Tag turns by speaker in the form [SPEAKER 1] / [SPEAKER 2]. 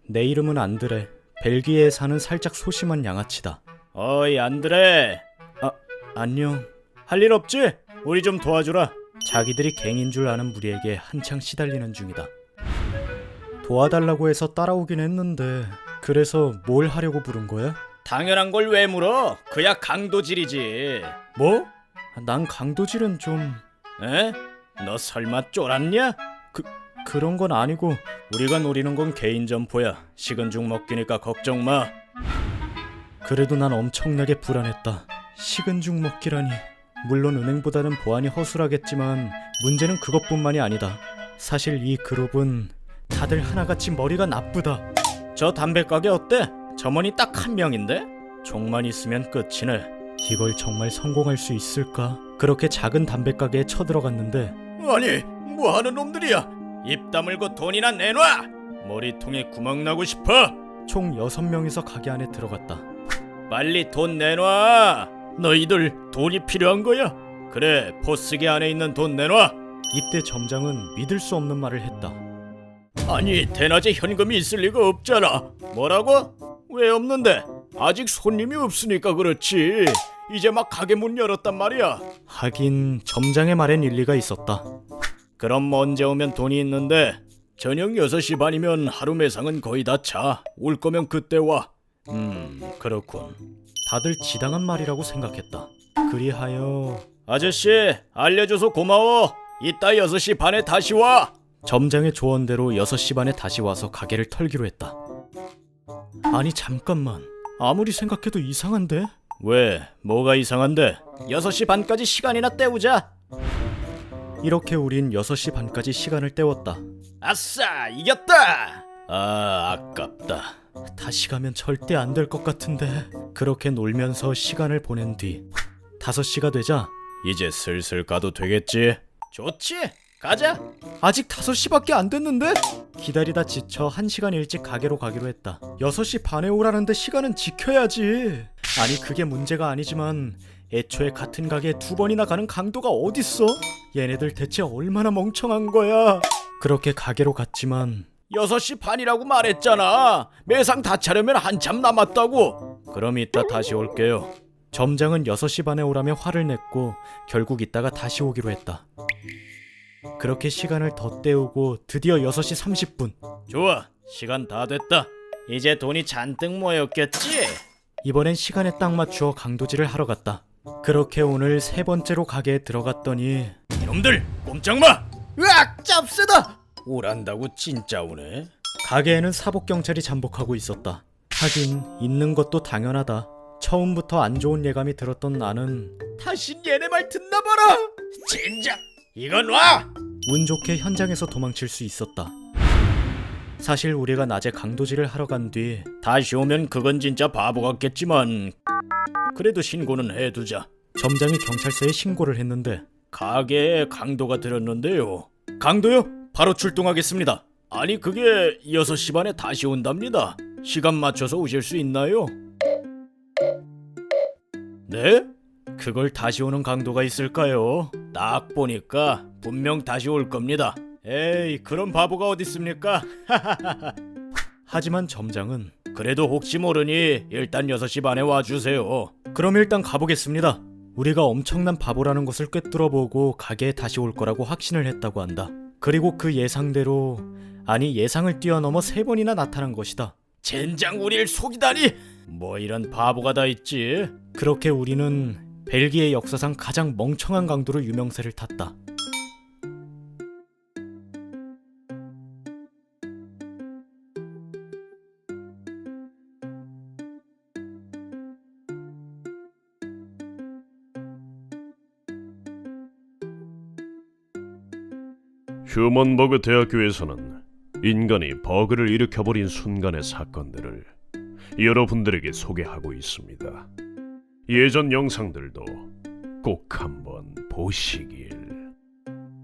[SPEAKER 1] 내 이름은 안드레. 벨기에에 사는 살짝 소심한 양아치다. 어이 안드레. 안녕. 할 일 없지? 우리 좀 도와주라. 자기들이 갱인 줄 아는 무리에게 한창 시달리는 중이다. 도와달라고 해서 따라오긴 했는데 그래서 뭘 하려고 부른 거야? 당연한 걸 왜 물어? 그야 강도질이지. 뭐? 난 강도질은 좀... 에? 너 설마 쫄았냐? 그런 건 아니고 우리가 노리는 건 개인 점포야. 식은 죽 먹기니까 걱정 마. 그래도 난 엄청나게 불안했다. 식은 죽 먹기라니. 물론 은행보다는 보안이 허술하겠지만 문제는 그것뿐만이 아니다. 사실 이 그룹은 다들 하나같이 머리가 나쁘다. 저 담배가게 어때? 점원이 딱 한 명인데? 총만 있으면 끝이네. 이걸 정말 성공할 수 있을까? 그렇게 작은 담배가게에 쳐들어갔는데 아니 뭐하는 놈들이야? 입 다물고 돈이나 내놔! 머리통에 구멍 나고 싶어! 총 6명이서 가게 안에 들어갔다. 빨리 돈 내놔! 너희들 돈이 필요한 거야? 그래, 포스기 안에 있는 돈 내놔! 이때 점장은 믿을 수 없는 말을 했다. 아니, 대낮에 현금이 있을 리가 없잖아. 뭐라고? 왜 없는데? 아직 손님이 없으니까 그렇지. 이제 막 가게 문 열었단 말이야. 하긴 점장의 말엔 일리가 있었다. 그럼 언제 오면 돈이 있는데? 저녁 6시 반이면 하루 매상은 거의 다 차. 올 거면 그때 와. 그렇군. 다들 지당한 말이라고 생각했다. 그리하여 아저씨 알려줘서 고마워. 이따 6시 반에 다시 와. 점장의 조언대로 6시 반에 다시 와서 가게를 털기로 했다. 아니 잠깐만. 아무리 생각해도 이상한데? 왜? 뭐가 이상한데? 6시 반까지 시간이나 때우자. 이렇게 우린 6시 반까지 시간을 때웠다. 아싸! 이겼다! 아깝다. 다시 가면 절대 안 될 것 같은데. 그렇게 놀면서 시간을 보낸 뒤 5시가 되자 이제 슬슬 가도 되겠지? 좋지! 가자! 아직 5시밖에 안 됐는데? 기다리다 지쳐 1시간 일찍 가게로 가기로 했다. 6시 반에 오라는데 시간은 지켜야지. 아니 그게 문제가 아니지만 애초에 같은 가게에 2번이나 가는 강도가 어딨어? 얘네들 대체 얼마나 멍청한 거야? 그렇게 가게로 갔지만 6시 반이라고 말했잖아. 매상 다 차려면 한참 남았다고. 그럼 이따 다시 올게요. 점장은 6시 반에 오라며 화를 냈고 결국 이따가 다시 오기로 했다. 그렇게 시간을 더 때우고 드디어 6시 30분. 좋아, 시간 다 됐다. 이제 돈이 잔뜩 모였겠지? 이번엔 시간에 딱 맞추어 강도질을 하러 갔다. 그렇게 오늘 3번째로 가게에 들어갔더니 이놈들 꼼짝마! 으악! 짭새다! 오란다고 진짜 오네. 가게에는 사복경찰이 잠복하고 있었다. 하긴 있는 것도 당연하다. 처음부터 안 좋은 예감이 들었던 나는 다신 얘네 말 듣나 봐라! 젠장! 이건 와! 운 좋게 현장에서 도망칠 수 있었다. 사실 우리가 낮에 강도질을 하러 간 뒤 다시 오면 그건 진짜 바보 같겠지만 그래도 신고는 해두자. 점장이 경찰서에 신고를 했는데 가게에 강도가 들었는데요. 강도요? 바로 출동하겠습니다. 아니 그게 6시 반에 다시 온답니다. 시간 맞춰서 오실 수 있나요? 네? 그걸 다시 오는 강도가 있을까요? 딱 보니까 분명 다시 올 겁니다. 에이 그런 바보가 어딨습니까? 하지만 점장은 그래도 혹시 모르니 일단 6시 반에 와주세요. 그럼 일단 가보겠습니다. 우리가 엄청난 바보라는 것을 꿰뚫어보고 가게에 다시 올 거라고 확신을 했다고 한다. 그리고 그 예상대로, 아니 예상을 뛰어넘어 3번이나 나타난 것이다. 젠장 우릴 속이다니! 뭐 이런 바보가 다 있지. 그렇게 우리는 벨기에 역사상 가장 멍청한 강도로 유명세를 탔다.
[SPEAKER 2] 휴먼버그 대학교에서는 인간이 버그를 일으켜버린 순간의 사건들을 여러분들에게 소개하고 있습니다. 예전 영상들도 꼭 한번 보시길.